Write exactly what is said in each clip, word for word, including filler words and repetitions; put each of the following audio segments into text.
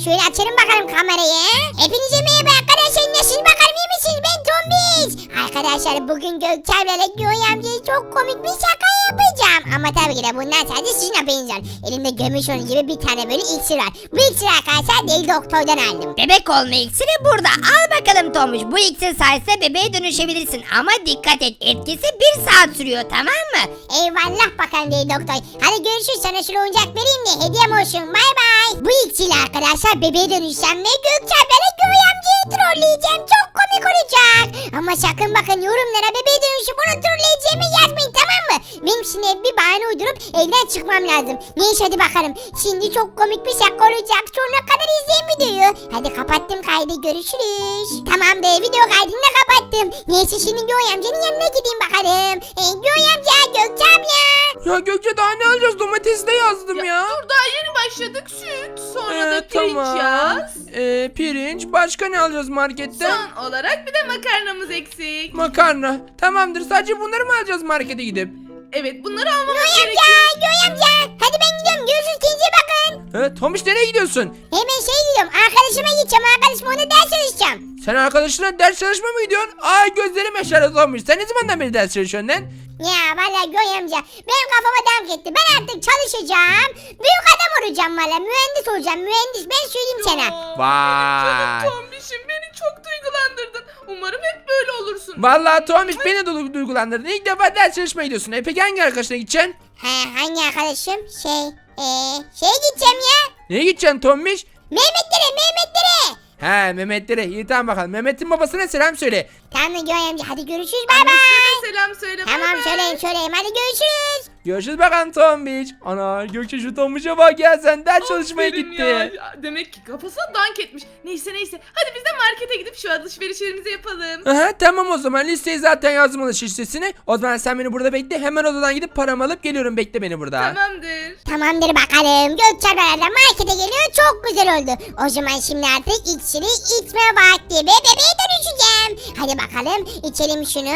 şöyle açalım bakalım kamerayı. Hepinize merhaba arkadaşlar, nasılsınız bakalım, iyi misiniz? Ben Tombiş. Arkadaşlar bugün Gökçen'le Göğe amcaya çok komik bir şaka yapacağım. Ama tabii ki de bundan sadece sizin haberiniz var. Elimde görmüş olduğunuz gibi bir tane böyle iksir var. Bu iksir arkadaşlar deli doktordan aldım. Bebek olma iksiri burada. Al bakalım Tomuş. Bu iksir sayesinde bebeğe dönüşebilirsin. Ama dikkat et, etkisi bir saat sürüyor, tamam mı? Eyvallah bakalım deli doktor. Hadi görüşürüz, sana şu oyuncak vereyim de hediyem olsun, bay bay. Bu iksirle arkadaşlar bebeğe dönüşeceğim ve Gökçen'le Göğe amcayı trolleyeceğim. Çok komik olacak. Ama sakın bakın yorumlara bebeğe dönüşüp onu trolleyeceğimi yazmayın, tamam mı? Benim şimdi bir bahane uydurup evden çıkmam lazım. Neyse hadi bakalım. Şimdi çok komik bir şaka olacak. Sonuna kadar izleyin videoyu. Hadi kapattım kaydı, görüşürüz. Tamam be, video kaydını da kapattım. Neyse şimdi Göğe amcanın yanına gideyim bakalım. E, Göğe amca, Gökçe abla. Ya Gökçe daha ne alacağız? Domatesi de yazdım ya. Dur, daha yeni başladık, süt. Sonra Ee, da pirinç tamam. yaz. Ee, pirinç. Başka ne alacağız marketten? Son olarak bir de makarnamız eksik. Makarna. Tamamdır. Sadece bunları mı alacağız markete gidip? Evet, bunları almamız Göğe gerekiyor. amca, Göğe amca. Hadi ben gidiyorum. Görüşürüz, kendinize bakın. Evet, Tomiş nereye gidiyorsun? Hemen şey gidiyorum. Arkadaşıma gideceğim. Arkadaşıma ona ders çalışacağım. Sen arkadaşına ders çalışma mı gidiyorsun? Ay gözlerim yaşarı Tomiş. Sen ne zamandan beri ders çalışıyorsun lan? Ya vallahi Göğe amca benim kafama dank etti. Ben artık çalışacağım. Büyük adam olacağım valla. Mühendis olacağım. Mühendis. Ben söyleyeyim sana. Aa, Vay. Canım Tombiş'im, beni çok duygulandırdın. Umarım hep böyle olursun. Vallahi Tomiş beni de du- duygulandırdın. İlk defa ders çalışmaya gidiyorsun. E peki hangi arkadaşına gideceksin? Ha, hangi arkadaşım? Şey, ee, şeye gideceğim ya. Neye gideceksin Tomiş? Mehmetlere, Mehmetlere. He Mehmetlere. İyi tamam bakalım. Mehmet'in babasına selam söyle. Tamam Göğe amca, hadi görüşürüz, bay Annesine bay. de selam söyle. bay Tamam bay. söyleyeyim söyleyeyim, hadi görüşürüz. Görüşürüz bakalım Tombiş. Ana Gökçe şu Tombiş'e bak ya, sen ders çalışmaya Aferin gitti. ya. Ya, demek ki kafasına dank etmiş. Neyse neyse. Hadi biz de markete gidip şu alışverişlerimizi yapalım. Aha tamam o zaman, listeyi zaten yazdım alışveriş listesini. O zaman sen beni burada bekle, hemen odadan gidip paramı alıp geliyorum, bekle beni burada. Tamamdır. Tamamdır bakalım. Gökçen'le markete geliyor, çok güzel oldu. O zaman şimdi artık iksiri içme vakti ve bebeğe dönüşeceğim. Hadi bakalım içelim şunu.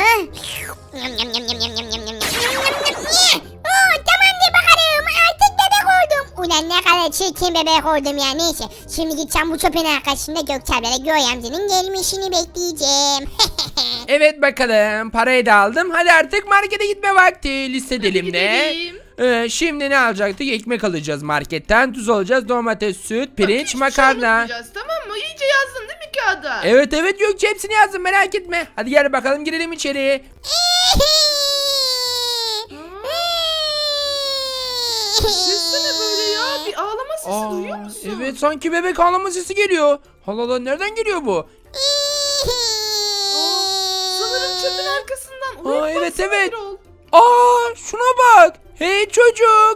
Yum, yum, yum, yum, yum, yum, yum, yum, yum, yum. Oo, tamamdır bakalım, artık bebek oldum. Ulan ne kadar çirkin bebek oldum ya, neyse. Şimdi gideceğim bu çöpün arkasında Gökçen'le Göğe amcanın gelmişini bekleyeceğim. Evet bakalım, parayı da aldım. Hadi artık markete gitme vakti. Liste elimde. gidelim. Ee, şimdi ne alacaktık? Ekmek alacağız marketten. Tuz alacağız. Domates, süt, pirinç, Hiçbir şey makarna. unutmayacağız, tamam mı? İyice yazdın değil mi kağıda? Evet evet Gökçe, hepsini yazdım, merak etme. Hadi gel bakalım, girelim içeri. Sesli ne böyle ya? Bir ağlama sesi Aa, duyuyor musun? evet sanki bebek ağlama sesi geliyor. Allah Allah, nereden geliyor bu? Sanırım çöpün arkasından. Aa, Oraya evet, baksana evet. Birol. Aa şuna bak. Hey çocuk.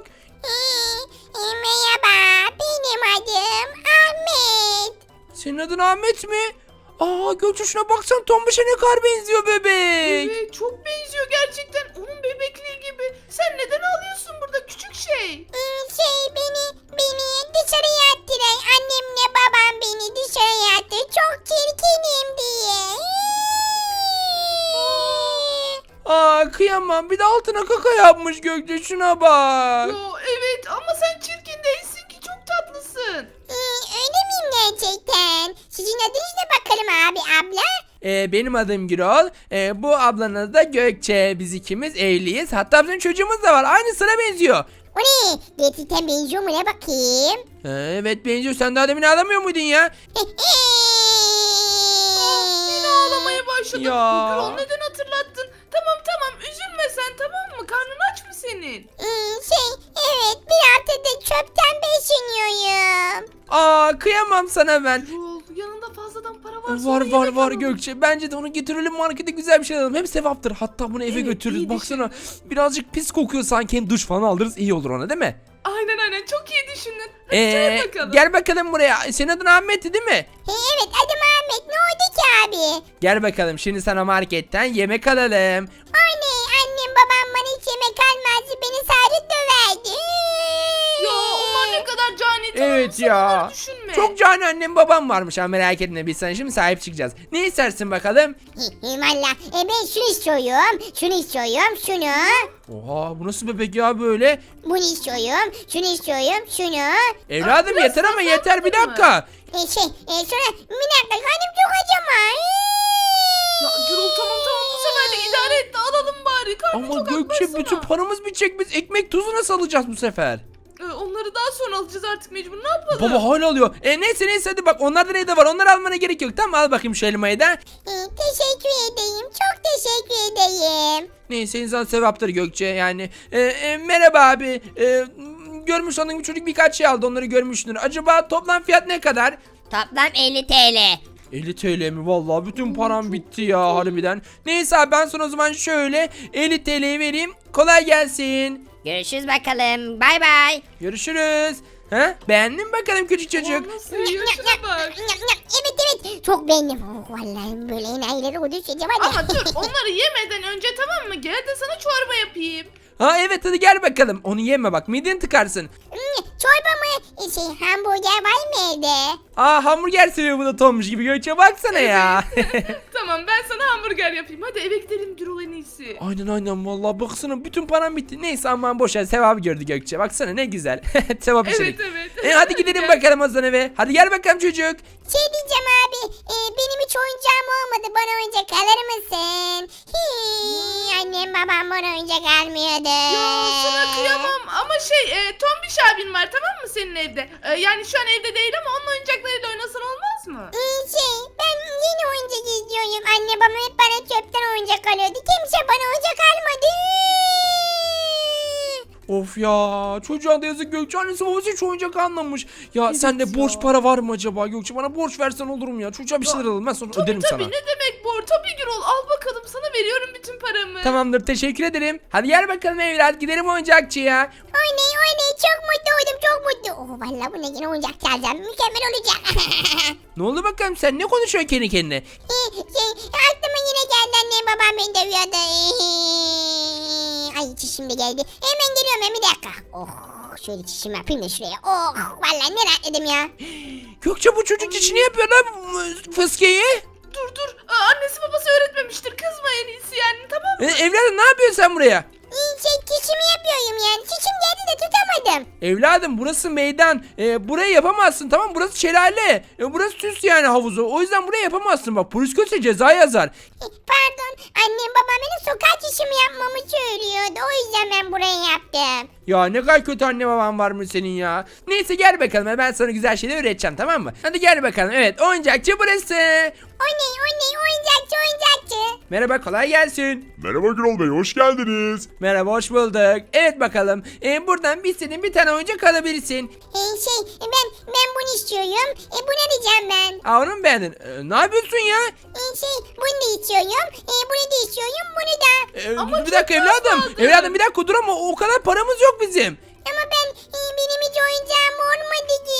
Merhaba, benim adım Ahmet. Senin adın Ahmet mi? Aa Gökçe şuna baksan, Tombiş'e ne kadar benziyor bebek. Evet, çok benziyor gerçekten. Onun bebekliği gibi. Sen neden ağlıyorsun burada küçük şey? Şey beni, beni dışarıya attılar. Annemle babam beni dışarıya attı. Çok çirkinim diye. Aa kıyamam, bir de altına kaka yapmış Gökçe, şuna bak. Yo evet, ama sen çirkin değilsin ki, çok tatlısın. Öyle miyim gerçekten? Sizin adınız ne bakalım abi, abla? Ee, benim adım Gürol. Ee, bu ablanın adı da Gökçe. Biz ikimiz evliyiz. Hatta bizim çocuğumuz da var. Aynısına benziyor. O ne? Gerçekten benziyor mu, ne bakayım? Ee, evet benziyor. Sen daha demin ağlamıyor muydun ya? Yine ağlamaya başladın. Ya. Gürol, neden hatırlattın? Tamam tamam, üzülme sen, tamam mı? Karnın aç mı senin? Hmm, şey evet, bir haftadır çöpten besleniyorum. Aa kıyamam sana ben. Gürol, yanında fazladan para var. Var var var Gökçe. Bence de onu getirelim markete, güzel bir şey alalım. Hem sevaptır. Hatta bunu eve Evet, götürürüz. iyi Baksana birazcık pis kokuyor sanki. Hem duş falan alırız. İyi olur ona, değil mi? Aynen aynen, çok iyi düşündün. Hadi Ee, çay bakalım. gel bakalım buraya. Senin adın Ahmet'ti değil mi? He, evet adım Ahmet, ne oldu ki abi? Gel bakalım, şimdi sana marketten yemek alalım. Anne, annem babam bana hiç yemek almazdı, beni sadece döverdi. Ya onlar ne kadar cani tamam, Evet sen ya. onları düşünme. Çok cani annem babam varmış ha, merak etme, biz sana şimdi sahip çıkacağız. Ne istersin bakalım? Valla e, ben şunu istiyorum. Şunu istiyorum. Şunu. Oha, bu nasıl bebek ya böyle? Bunu istiyorum. Şunu istiyorum. Şunu. Evladım biraz yeter ama fazla yeter, bir yapmadın mı? dakika. E, şey e, sonra bir dakika karnım çok acıma. Ya Gürol tamam tamam bu sefer de idare et de alalım bari. Karnım Ama çok Gökçe akbarsana. bütün paramız bitecek, biz ekmek tuzu nasıl alacağız bu sefer? Ee, onları daha sonra alacağız artık mecbur. Ne yapalım? Baba hala alıyor. E neyse neyse, hadi bak onlarda ne de var, onları almana gerek yok. Tamam, al bakayım şu elmayı da. E, teşekkür edeyim. Çok teşekkür edeyim. Neyse, insan sevaptır Gökçe yani. E, e, merhaba abi. E, görmüş olduğun bir çocuk birkaç şey aldı, onları görmüşsün. Acaba toplam fiyat ne kadar? Toplam elli T L. elli T L mi? Vallahi bütün param bitti ya harbiden. Neyse abi, ben sana o zaman şöyle elli T L'yi vereyim. Kolay gelsin. Görüşürüz bakalım. Bay bay. Görüşürüz. Ha? Beğendin mi bakalım küçük çocuk? Aa, nasıl yiyor şuna bak. Evet evet. Çok beğendim. Oh, vallahi böyle enayileri o düşeceğim hadi. Ama dur onları yemeden önce tamam mı? Gel de sana çorba yapayım. Ha evet, hadi gel bakalım. Onu yeme bak, mideni tıkarsın. Hmm, çorba mı? E, Şey hamburger var mı evde? Aa, hamburger seviyor bu da Tommuş gibi. Gökçe baksana ya. Tamam ben sana hamburger yapayım. Hadi eve gidelim Gürol en iyisi. Aynen aynen, vallahi baksana bütün param bitti. Neyse aman boş ver, sevabı gördü Gökçe. Baksana ne güzel. Sevap işledik. Evet evet. E hadi gidelim bakalım o zaman eve. Hadi gel bakalım çocuk. Şey diyeceğim abi. e, benim hiç oyuncağım olmadı. Bana oyuncak alır mısın? Hii, annem babam bana oyuncak almıyordu. Ya sana kıyamam ama şey e, Tombiş abin var tamam mı senin evde? E, yani şu an evde değil ama onun oyuncaklarıyla oynasan olmaz mı? Ee, şey ben yeni oyuncak istiyorum. Anne babam hep bana çöpten oyuncak alıyordu. Kimse bana oyuncak almadı. Of ya, çocuğa da yazık Gökçe, annesi babası hiç oyuncak almamış. Ya Evet sende ya. borç para var mı acaba Gökçe? Bana borç versen olur mu ya? Çocuğa bir Ya, şeyler alalım, ben sonra Tabii öderim tabii sana. ne demek bor? Tabii Gürol al bakalım sana veriyorum bütün paramı. Tamamdır, teşekkür ederim. Hadi gel bakalım evlat, gidelim oyuncakçıya. Oynay oynay çok mutlu oldum çok mutlu. Oh vallahi bu ne yine oyuncak çalacağım. Mükemmel olacak. Ne oldu bakalım, sen ne konuşuyorsun kendi kendine? Ee, şey aklıma yine geldi annem babam beni dövüyordu. Ee, Ay çişim de geldi. Hemen geliyorum hemen bir dakika. Oh şöyle çişimi yapayım da şuraya. Oh vallahi ne rahatladım ya. Gökçe, bu çocuk içini yapıyor lan bu fıskeyi. Dur dur Aa, annesi babası öğretmemiştir kızma en iyisi yani tamam mı? E, evladım ne yapıyorsun sen buraya? Ee, şey çişimi yapıyorum yani. Çişim geldi de tutamadım. Evladım burası meydan. E, burayı yapamazsın, tamam, burası şelale. E, burası süs yani havuzu. O yüzden burayı yapamazsın, bak polis görse ceza yazar. Ee, Pardon annem babam benim sokak çişimi yapmamı söylüyordu. O yüzden ben burayı yaptım. Ya ne kadar kötü anne baban var mı senin ya? Neyse gel bakalım, ben sana güzel şeyler öğreteceğim, tamam mı? Hadi gel bakalım, evet, oyuncakçı burası. Oynay oynay oyuncakçı oyuncakçı. Merhaba, kolay gelsin. Merhaba Gürol Bey, hoş geldiniz. Merhaba, hoş bulduk. Evet bakalım, e, buradan bir senin bir tane oyuncak alabilirsin. Ee, şey ben ben bunu istiyorum. E, bunu alacağım ben. Aa, onu mu beğendin? E, ne yapıyorsun ya? Ee, şey bunu da istiyorum. E, bunu da istiyorum. Bunu da. E, Ama bir çok dakika az evladım. kaldı. Evladım bir dakika dur, ama o kadar paramız yok bizim. Ama ben e, benim hiç oyuncağım olmadı ki.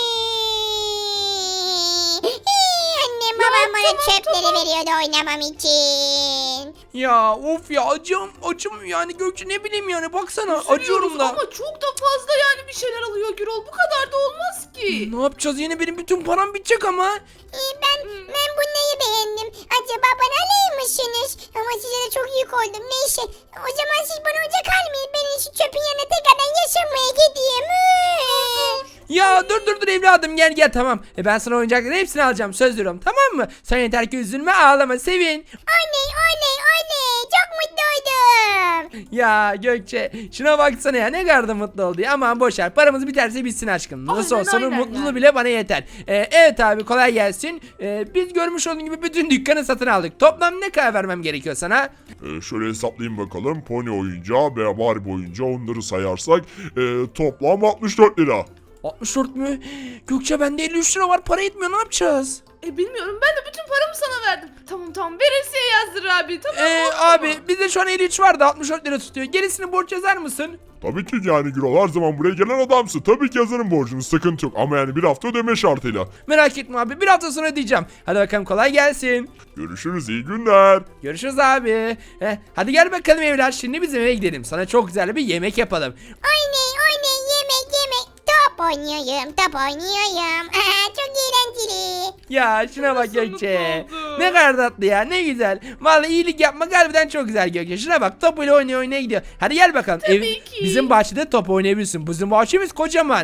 Ee, Annem babam bana tamam, çöpleri tamam. veriyordu oynamam için. Ya of ya, acım acım yani Gökçe, ne bileyim yani, baksana acıyorum Üzülüyoruz da. Ama çok da fazla yani bir şeyler alıyor Gürol bu kadar da olmaz ki. Ne yapacağız, yine benim bütün param bitecek ama. Ee, ben ben bunları beğendim. Acaba bana alır mısınız? Ama size de çok yük oldum. Neyse. O zaman siz bana oyuncak almayın. Ben şu çöpün yanına tekrardan yaşamaya gideyim. Ya dur dur dur evladım, gel gel, tamam. E, ben sana oyuncakların hepsini alacağım, söz veriyorum, tamam mı? Sen yeter ki üzülme, ağlama, sevin. Oley oley oley. Çok mutlu oldum. Ya Gökçe, şuna baksana ya, ne kadar da mutlu oldu ya. Aman boşver, paramız biterse bitsin aşkım. Nasıl Aynen, olsa onun aynen mutluluğu yani. bile bana yeter. E, evet abi, kolay gelsin. E, biz görmüş olduğun gibi bütün dükkanı satın aldık. Toplam ne kadar vermem gerekiyor sana? Ee, şöyle hesaplayayım bakalım. Pony oyuncağı veya Barbie oyuncağı onları sayarsak e, toplam altmış dört lira. altmış dört mü? Gökçe, bende elli üç lira var, para yetmiyor, ne yapacağız? E bilmiyorum ben de bütün paramı sana verdim. Tamam tamam veresiye yazdır abi tamam mı? Ee, Oldu mu? abi bizde şu an elli üç vardı, altmış dört lira tutuyor. Gerisini borç yazar mısın? Tabii ki yani Gürol, her zaman buraya gelen adamsın. Tabii ki yazarım borcunu, sıkıntı yok. Ama yani bir hafta ödeme şartıyla. Merak etme abi, bir hafta sonra ödeyeceğim. Hadi bakalım, kolay gelsin. Görüşürüz, iyi günler. Görüşürüz abi. Heh, hadi gel bakalım evlat, şimdi bizim eve gidelim. Sana çok güzel bir yemek yapalım. Oley oley yemek yemek. Top Top oynuyorum, top oynuyorum. Aha, çok eğlenceli. Ya şuna bak Nasıl Gökçe. mutlu oldu? Ne kadar tatlı ya, ne güzel. Vallahi iyilik yapmak harbiden çok güzel Gökçe. Şuna bak, topuyla oynaya oynaya gidiyor. Hadi gel bakalım. Tabii ki. Bizim bahçede top oynayabilirsin. Bizim bahçemiz kocaman.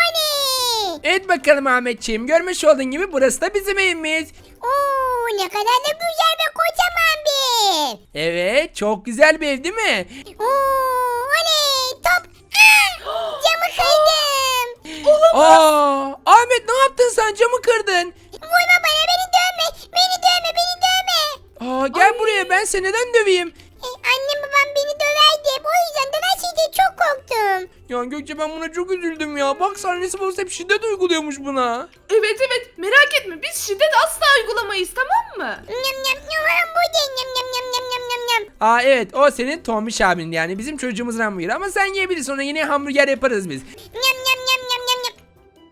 Oley. Evet bakalım Ahmetciğim. Görmüş olduğun gibi burası da bizim evimiz. Oo, ne kadar da güzel ve kocaman bir ev. Evet, çok güzel bir ev değil mi? Oo, oley. Top. Ah, camı kırdım. Aa, Ahmet ne yaptın sen? Camı kırdın. Vurma bana, beni dövme. Beni dövme, beni dövme. Aa, gel buraya, ben seni neden döveyim? E, annem babam beni döverdi. O yüzden de ben şeyde çok korktum. Ya Gökçe, ben buna çok üzüldüm ya. Bak, annesi babası hep şiddet uyguluyormuş buna. Evet evet merak etme biz şiddet asla uygulamayız tamam mı? Nyam nyam nyam, bu da nyam nyam nyam nyam nyam nyam nyam. Aa evet, o senin Tombiş abin, yani bizim çocuğumuzun hamburgeri. Ama sen yiyebilirsin, ona yine hamburger yaparız biz. Nyam nyam nyam nyam nyam nyam.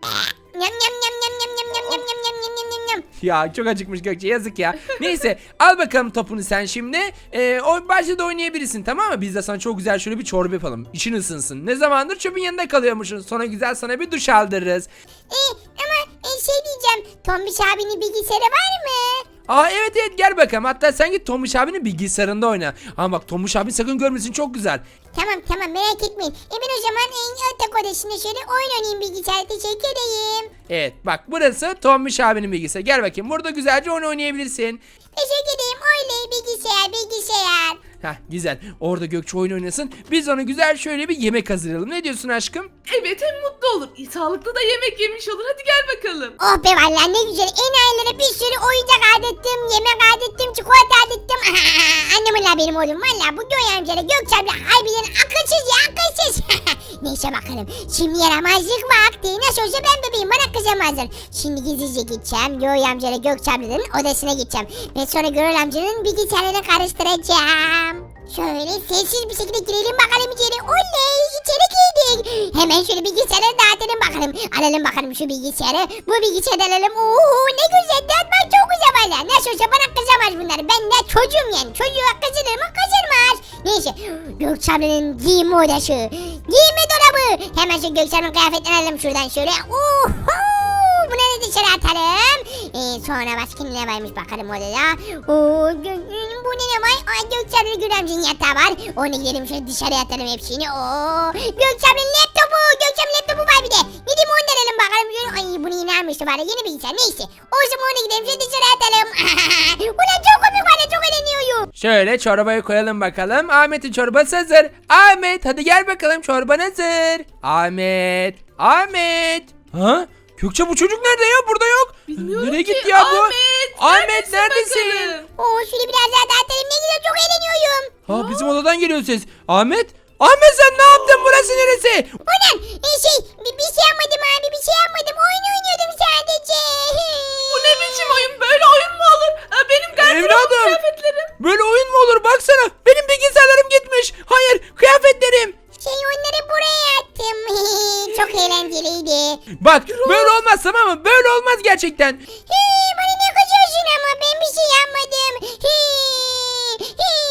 Nyam nyam nyam nyam nyam nyam nyam nyam nyam nyam nyam nyam nyam. Ya çok acıkmış Gökçe, yazık ya. Neyse, al bakalım topunu sen şimdi. Ee, o bahçede oynayabilirsin, tamam mı? Biz de sana çok güzel şöyle bir çorba yapalım. İçin ısınsın. Ne zamandır çöpün yanında kalıyormuşsun. Sonra güzel sana bir duş aldırırız. E, ama e, şey diyeceğim. Tombiş abinin bilgisayarı var mı? Aa evet evet, gel bakalım. Hatta sen git Tomuş abinin bilgisayarında oyna. Ama bak, Tomuş abin sakın görmesin, çok güzel. Tamam tamam, merak etmeyin. E ben o zaman en yatak odasında şöyle oyun oynayayım bilgisayarda. Teşekkür edeyim. Evet bak, burası Tomuş abinin bilgisayarı. Gel bakayım, burada güzelce oyun oynayabilirsin. Teşekkür edeyim. Oley, bilgisayar bilgisayar. Heh güzel, orada Gökçe oyun oynasın. Biz ona güzel şöyle bir yemek hazırlayalım. Ne diyorsun aşkım? Evet hem mutlu olur. E, sağlıklı da yemek yemiş olur. Hadi gel bakalım. Oh be vallahi ne güzel. En ailelere bir sürü oyuncak adettim, yemek adettim, çikolata adettim. Annem la benim oğlum. Valla bu Göğe amcayla Gökçe abla harbiden akılsız ya, akılsız. Neyse bakalım. Şimdi yaramazlık vakti. Nasıl olsa ben bebeğim, bana kızamazlar. Şimdi gizlice gideceğim. Göğe amcayla Gökçe ablanın odasına gideceğim. Ve sonra Göğe amcanın bilgisayarını karıştıracağım. Şöyle sessiz bir şekilde girelim bakalım içeri. Oley, içeri girdik. Hemen şöyle bilgisayarı dağıtalım bakalım. Alalım bakalım şu bilgisayarı. Bu bilgisayarı alalım. Oo, ne güzel, dağıtmak çok güzel valla. Nasıl olsa bana kızamaz bunlar. Ben de çocuğum yani. Çocuğa kızılır mı? Kızılmaz. Neyse. Gökçe ablanın giyinme odası. Giyinme dolabı. Hemen şu Gökçe ablanın kıyafetlerini alalım şuradan şöyle. Oho. Bunları dışarı atalım. Ee, sonra başka ne varmış bakalım odada. Oo, bu ne ne var? Ay, Gökçe ablanın Gül amcanın yatağı var. Onu gidelim şöyle dışarıya atalım hepsini. Oo, Gökçe ablanın laptopu. Gökçe ablanın laptopu var bir de. Gidip onu da alalım bakalım. Ay, bunu yine almıştı var ya, yeni bilgisayar. Neyse. O zaman onu gidelim şöyle dışarı atalım. Ulan çok komik var ya, çok eğleniyorum. Şöyle çorbayı koyalım bakalım. Ahmet'in çorbası hazır. Ahmet hadi gel bakalım, çorban hazır. Ahmet. Ahmet. Ha? Gökçe, bu çocuk nerede ya? Burada yok. Bilmiyorum Nereye ki. gitti ya bu? Ahmet, Ahmet neredesin? bakalım? Oo, şöyle biraz daha dağıtalım. Ne güzel, çok eğleniyorum. Ha, bizim odadan geliyor ses. Ahmet? Ahmet sen ne yaptın? Burası neresi? Ulan e, şey bir, bir şey yapmadım abi, bir şey yapmadım. Oyun oynuyordum sadece. Bu ne biçim oyun? Böyle oyun mu olur? Aa, benim gardırobum Evladım. kıyafetlerim. Böyle oyun mu olur? Baksana. Benim bilgisayarlarım gitmiş. Hayır, kıyafetlerim. Şey, onları buraya attım. Çok eğlenceliydi. Bak, böyle olmaz, tamam mı? Böyle olmaz gerçekten. Hii, bana ne kızıyorsun ama ben bir şey yapmadım. Hii,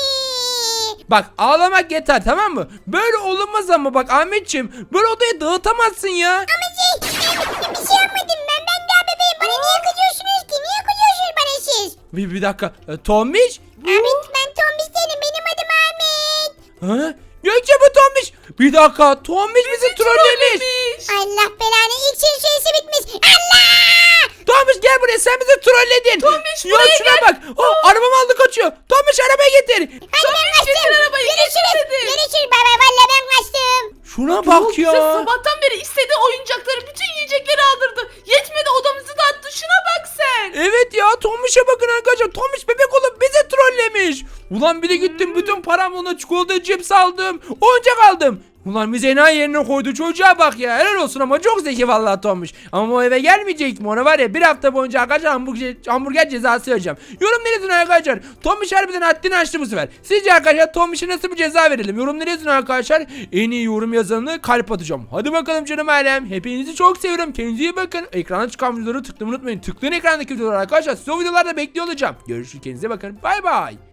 hii. Bak, ağlamak yeter, tamam mı? Böyle olunmaz ama bak Ahmetciğim. Böyle odayı dağıtamazsın ya. Ama şey ben bir şey yapmadım ben. Ben daha bebeğim. Bana niye kızıyorsunuz ki? Niye kızıyorsunuz bana siz? Bir, bir dakika. E, Tombiş? Ahmet, ben Tombiş değilim. Benim adım Ahmet. Ha? Gökçe, bu Tombiş. Bir dakika. Tombiş bizi trollemiş. Trollemiş. Allah belanı, ilk şey süresi bitmiş. Allah! Tombiş gel buraya, sen bizi trolledin. Tombiş, ya buraya şuna gel. bak. Oh, arabamı aldı kaçıyor. Tombiş, arabayı getir. Hadi ben getir kaçtım. arabayı, Görüşürüz. getir dedi. Görüşürüz. Bay bay. Valla ben kaçtım. Şuna Yok, bak bize ya. sabahtan beri istediği oyuncakları, bütün yiyecekleri aldırdı. Yetmedi, odamızı dağıttı. Şuna bak sen. Evet ya, Tombiş'e bakın arkadaşlar. Tombiş bebek olup bizi trollemiş. Ulan bir de gittim, bütün paramla ona çikolata, cips aldım. Oyuncak aldım. Ulan bizi enayi yerine koydu, çocuğa bak ya. Helal olsun ama çok zeki vallahi Tombiş. Ama o eve gelmeyecek mi? Ona var ya, bir hafta boyunca arkadaşlar hamburger, hamburger cezası vereceğim. Yorumlara yazın arkadaşlar. Tombiş harbiden haddini aştı bu sefer. Sizce arkadaşlar Tombiş'e nasıl bir ceza verelim? Yorumlara yazın arkadaşlar. En iyi yorum yazanını kalp atacağım. Hadi bakalım canım ailem. Hepinizi çok seviyorum. Kendinize iyi bakın. Ekrana çıkan videoları tıklamayı unutmayın. Tıklayın ekrandaki videoları arkadaşlar. Size o videolarda bekliyor olacağım. Görüşürüz, kendinize bakın. Bay bay.